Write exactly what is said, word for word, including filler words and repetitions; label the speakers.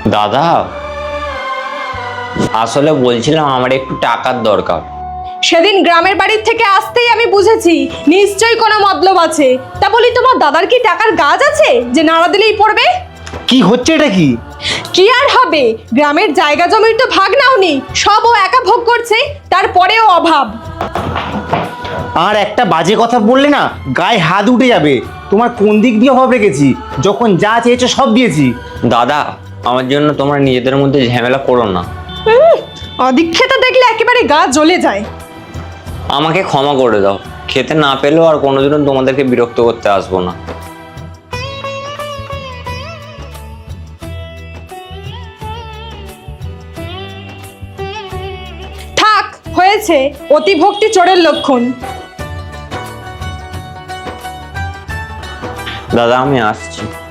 Speaker 1: দাদা, আসলে বলছিলাম আমার একটু টাকার দরকার।
Speaker 2: সেদিন গ্রামের বাড়ির থেকে আসতেই আমি বুঝেছি নিশ্চয়ই কোনো মতলব আছে। তা বলি, তোমার দাদার কি টাকার গাছ আছে যে নাড়া দিলেই পড়বে?
Speaker 3: কি হচ্ছে এটা? কি
Speaker 2: কি আর হবে, গ্রামের জায়গা জমির তো ভাগ নাওনি, সব ও একা ভোগ করছে, তারপরেও অভাব।
Speaker 3: আর একটা বাজে কথা বললে না গায়ে হাত উঠে যাবে। তোমার কোন দিক দিয়ে অভাব রেখেছি? যখন যা চেয়েছো সব দিয়েছি।
Speaker 1: দাদা, আমার জন্য তোমরা নিজেদের মধ্যে ঝামেলা করো না।
Speaker 2: উম, অদীক্ষেতা দেখলে একেবারে গা জ্বলে যায়।
Speaker 1: আমাকে ক্ষমা করে দাও। খেতে না পেলেও আর কোনোদিনও তোমাদেরকে বিরক্ত করতে আসবো না।
Speaker 2: থাক, হয়েছে। অতি ভক্তি চোরের লক্ষণ।
Speaker 1: দাদা, আমি আসছি।